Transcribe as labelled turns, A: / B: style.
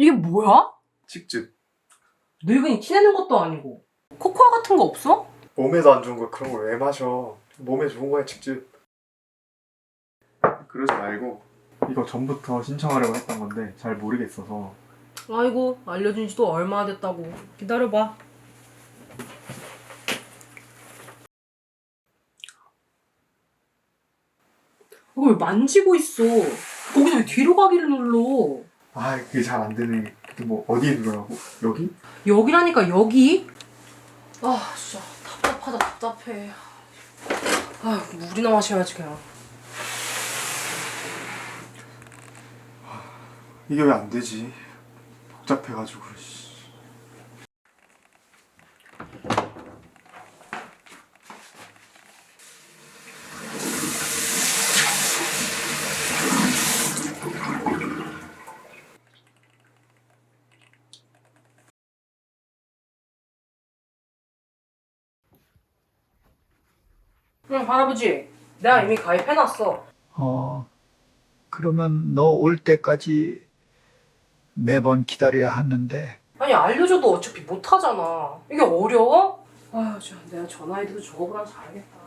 A: 이게 뭐야?
B: 직즙.
A: 늙은이 티내는 것도 아니고. 코코아 같은 거 없어?
B: 몸에도 안 좋은 거 그런 걸 왜 마셔. 몸에 좋은 거야 직즙. 그러지 말고 이거 전부터 신청하려고 했던 건데 잘 모르겠어서.
A: 아이고, 알려준 지도 얼마나 됐다고. 기다려봐. 이거 왜 만지고 있어? 거기서 왜 뒤로 가기를 눌러?
B: 아 그게 잘 안 되네. 뭐 어디에 누르라고? 여기?
A: 여기라니까, 여기? 아, 진짜 답답하다, 답답해. 아, 물이나 마셔야지, 그냥.
B: 이게 왜 안 되지? 복잡해가지고. 씨.
A: 응, 할아버지. 내가 이미 가입해놨어.
C: 그러면 너 올 때까지 매번 기다려야 하는데.
A: 아니, 알려줘도 어차피 못하잖아. 이게 어려워? 아휴, 내가 전화해도 저거보단 잘하겠다.